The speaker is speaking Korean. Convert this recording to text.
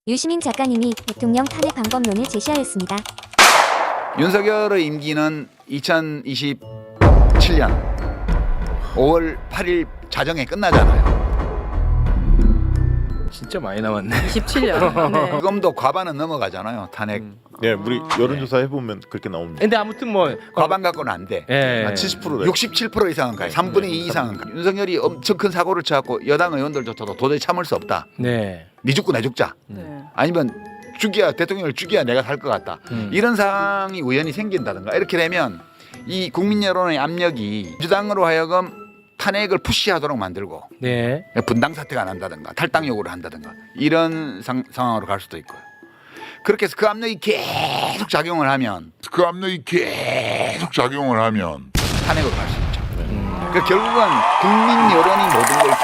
유시민 작가님이 대통령 탄핵 방법론을 제시하였습니다. 윤석열의 임기는 2027년 5월 8일 자정에 끝나잖아요. 진짜 많이 남았네. 27년. 네. 지금도 과반은 넘어가잖아요. 탄핵. 네, 우리 여론조사 해보면 그렇게 나옵니다. 근데 아무튼 뭐 과반 갖고는 안 돼. 예. 한 70%래. 67% 이상은 가요. 3분의 2 이상은 가요. 윤석열이 엄청 큰 사고를 쳐갖고 여당 의원들조차도 도저히 참을 수 없다. 네. 니 죽고 내 죽자. 네. 아니면 죽여야 대통령을 죽여야 내가 살 것 같다. 이런 상황이 우연히 생긴다든가 이렇게 되면 이 국민 여론의 압력이 민주당으로 하여금 탄핵을 푸시하도록 만들고 네. 분당 사태가 난다든가 탈당 요구를 한다든가 이런 상황으로 갈 수도 있고요. 그렇게 해서 그 압력이 계속 작용을 하면 탄핵으로 갈 수 있죠. 그러니까 결국은 국민 여론이 모든 걸